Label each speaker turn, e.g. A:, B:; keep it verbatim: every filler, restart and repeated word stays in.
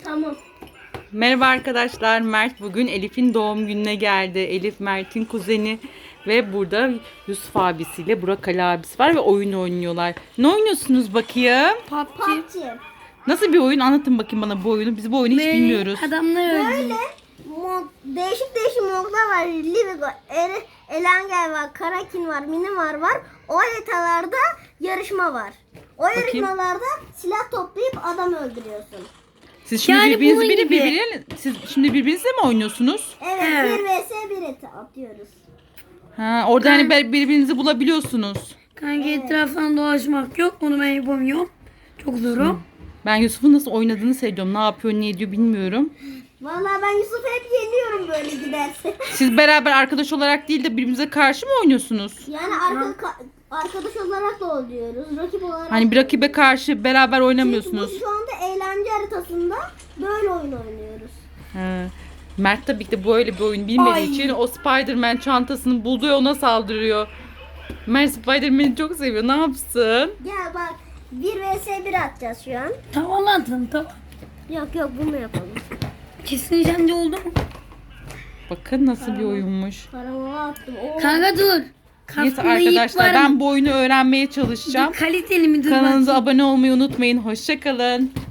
A: Tamam.
B: Merhaba arkadaşlar. Mert bugün Elif'in doğum gününe geldi. Elif Mert'in kuzeni ve burada Yusuf abisiyle Burak Ali abisi var ve oyun oynuyorlar. Ne oynuyorsunuz bakayım?
A: P U B G.
B: Nasıl bir oyun? Anlatın bakayım bana bu oyunu. Biz bu oyunu hiç
C: Böyle
B: bilmiyoruz.
C: adamlar öldü.
A: Böyle mod, değişik değişik modlar var. Livigo, er, Elengel var, Karakin var, Minimar var. O haritalarda yarışma var. O yarışmalarda silah toplayıp adam öldürüyorsun.
B: Siz şimdi
C: Yani
B: birbirinizi
C: bunun
B: biri
C: gibi.
B: birbirine siz şimdi birbirinizle mi oynuyorsunuz?
A: Evet,
C: Evet.
A: bir vs bir eti atıyoruz.
B: Ha, orada hani bir- birbirinizi bulabiliyorsunuz.
C: Kanka etraftan dolaşmak yok. Onu ben yapamıyorum. Çok zorum.
B: Ben Yusuf'un nasıl oynadığını seviyorum. Ne yapıyor, ne ediyor bilmiyorum.
A: Vallahi ben Yusuf'u hep yeniyorum böyle giderse.
B: Siz beraber arkadaş olarak değil de birbirinize karşı mı oynuyorsunuz?
A: Yani arka, arkadaş olarak da oluyoruz. Rakip olarak.
B: Hani bir rakibe karşı beraber
A: Çünkü
B: oynamıyorsunuz.
A: bu şu anda eğlence haritasında böyle oyun oynuyoruz.
B: He. Mert tabii ki de böyle bir oyun bilmediği
C: Ay.
B: için o Spider-Man çantasını buldu ve ona saldırıyor. Mert Spider-Man'i çok seviyor. Ne yapsın?
A: Gel bak bir vs bir atacağız şu an.
C: Tamam atın tamam.
A: Yok yok bunu yapalım.
C: Kesin sence oldu mu?
B: Bakın nasıl bir oyunmuş.
A: Paramı attım. Oo.
C: Kanka dur.
B: Neyse
C: Kaskında ip
B: arkadaşlar
C: var
B: ben
C: mı?
B: bu oyunu öğrenmeye çalışacağım.
C: Dur, kaliteli mi dur
B: Kanalımıza
C: bakayım.
B: abone olmayı unutmayın. Hoşça kalın.